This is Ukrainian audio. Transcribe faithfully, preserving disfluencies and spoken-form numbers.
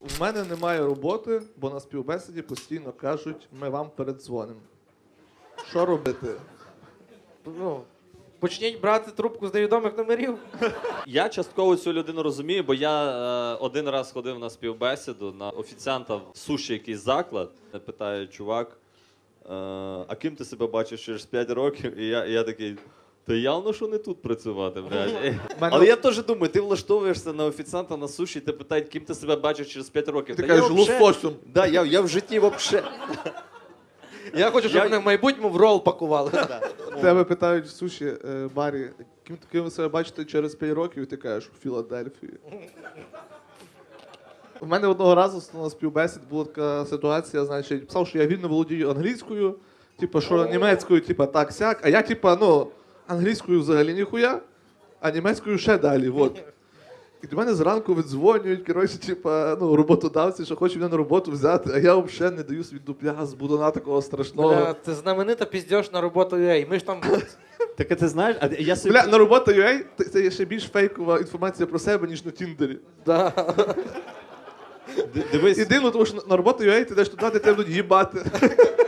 У мене немає роботи, бо на співбесіді постійно кажуть, ми вам передзвонимо. Що робити? Ну, почніть брати трубку з невідомих номерів. Я частково цю людину розумію, бо я е, один раз ходив на співбесіду на офіціанта в суші якийсь заклад. Я питаю, чувак, е, а ким ти себе бачиш через п'ять років? І я, і я такий, та явно, що не тут працювати, блядь. Мене- Але я теж думаю, ти влаштовуєшся на офіціанта на суші, і ти питають, ким ти себе бачиш через п'ять років. Ти Та кажеш, я вообще- лососем. Да, я, я в житті взагалі. Я хочу, щоб Я- мене в майбутньому в рол пакували. Тебе питають в суші е, барі, ким, ким ви себе бачите через п'ять років, і ти кажеш, у Філадельфії. У мене одного разу на співбесід була така ситуація, значить, писав, що я вільно володію англійською, типу, що німецькою, типу, так сяк, а я, типу, ну, англійською взагалі ніхуя, а німецькою ще далі, от. І до мене зранку видзвонюють, коротше, типа, ну, роботодавці, що хочуть мене на роботу взяти, а я взагалі не даю свій дупля з будуна такого страшного. Бля, це знаменита піздьош на роботу Ей. Ми ж там Так а ти знаєш, а я собі... Бля, на робота ю ей це є ще більш фейкова інформація про себе, ніж на Тіндері. да. Д- Дивись, І дивно, тому що на роботу ю ей ти йдеш туди, де тебе будуть їбати.